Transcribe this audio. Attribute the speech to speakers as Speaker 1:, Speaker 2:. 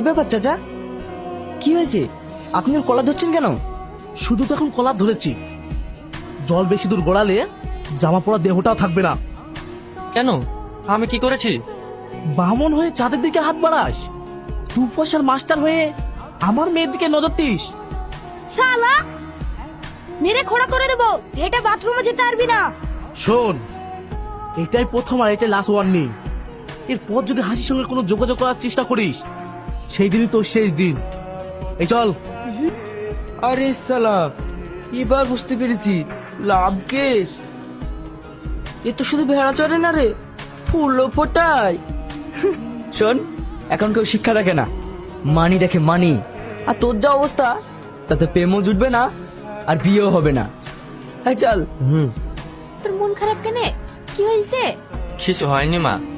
Speaker 1: ব্যাপার চাচা? কি হয়েছে? আপনি ওর কলা ধরছেন কেন?
Speaker 2: শুধু তো এখন কলার ধরেছি, জল বেশি দূর গড়ালে জামা পরা দেহটাও থাকবে না।
Speaker 3: কেন? আমি কি করেছি?
Speaker 2: বামন হয়ে চাঁদের দিকে হাত বাড়াস, দু পয়সার মাস্টার হয়ে আমার মেয়ের দিকে নজর দিস।
Speaker 4: শালা মেরে খোড়া করে দেবো, এটা বাথরুমে যেতে পারবি না।
Speaker 2: শোন, এটাই প্রথম আর এটাই লাস্ট ওয়ার্নিং। এরপর যদি হাসির সঙ্গে কোনো যোগাযোগ করার চেষ্টা করিস, সেই দিনই তোর শেষ দিন। এই চল।
Speaker 1: আরে সালা, এবার বুঝতে পেরেছি, লাভ কেস। এ তো শুধু ভেড়া চড়ে না রে, ফুলও ফোটায়। শোন, এখন কেউ শিক্ষা দেখে না, মানি দেখে মানি। আর তোর যা অবস্থা, তাতে প্রেমও জুটবে না আর বিয়েও হবে না। হ্যাঁ চল।
Speaker 4: তোর মন খারাপ কেনে? কি হয়েছে?
Speaker 3: কিছু হয়নি মা,